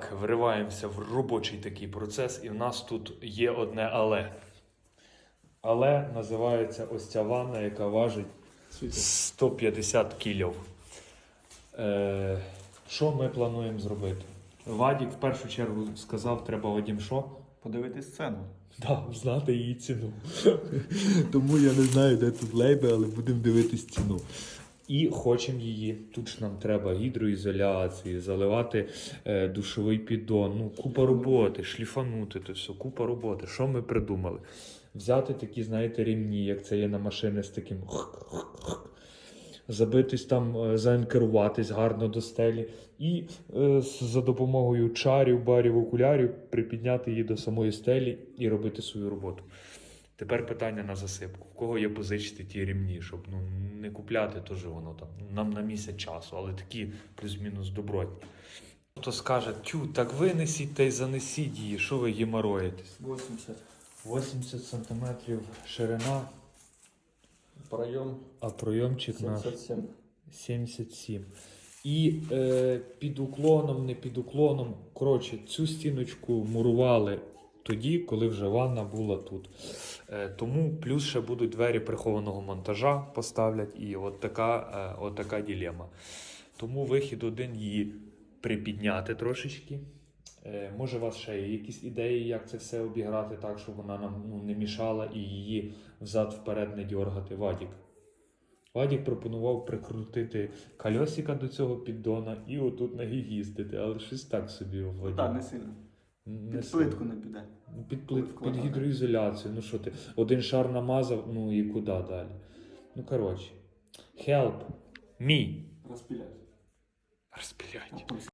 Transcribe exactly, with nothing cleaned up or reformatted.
Так, вриваємося в робочий такий процес, і в нас тут є одне але. Але називається ось ця ванна, яка важить сто п'ятдесят кілів. Е, що ми плануємо зробити? Вадік в першу чергу сказав, треба Вадім що? Подивитись сцену. Так, да, знати її ціну. Тому я не знаю, де тут лейби, але будемо дивитись ціну. І хочемо її. Тут ж нам треба гідроізоляції, заливати е, душовий піддон. Ну, купа роботи, шліфанути то все, купа роботи. Що ми придумали? Взяти такі, знаєте, рівні, як це є на машини з таким забитись там, заанкеруватись гарно до стелі і е, за допомогою чарів, барів, окулярів припідняти її до самої стелі і робити свою роботу. Тепер питання на засипку. В кого є позичити ті рівні, щоб ну, не купляти, теж воно там нам на місяць часу, але такі плюс-мінус добротні. Хто скаже, тю, так винесіть та й занесіть її, що ви геморроїтесь? вісімдесят. вісімдесят сантиметрів ширина, Пройом а пройомчик наш сімдесят сім. сімдесят сім. І е, під уклоном, не під уклоном, коротше, цю стіночку мурували тоді, коли вже ванна була тут. Е, тому плюс ще будуть двері прихованого монтажа поставлять, і от така, е, от така дилема. Тому вихід один її припідняти трошечки. Е, може у вас ще є якісь ідеї, як це все обіграти так, щоб вона нам ну, не мішала і її взад-вперед не дьоргати. Вадік. Вадік пропонував прикрутити кольосика до цього піддона і отут ноги їздити, але щось так собі Вадік. Так, не сильно. Не Під сильно. плитку не піде. Під, плит, під гідроізоляцію. Ну що ти, один шар намазав, ну і куди далі? Ну коротше. Help me. Розпіляй. Розпілять.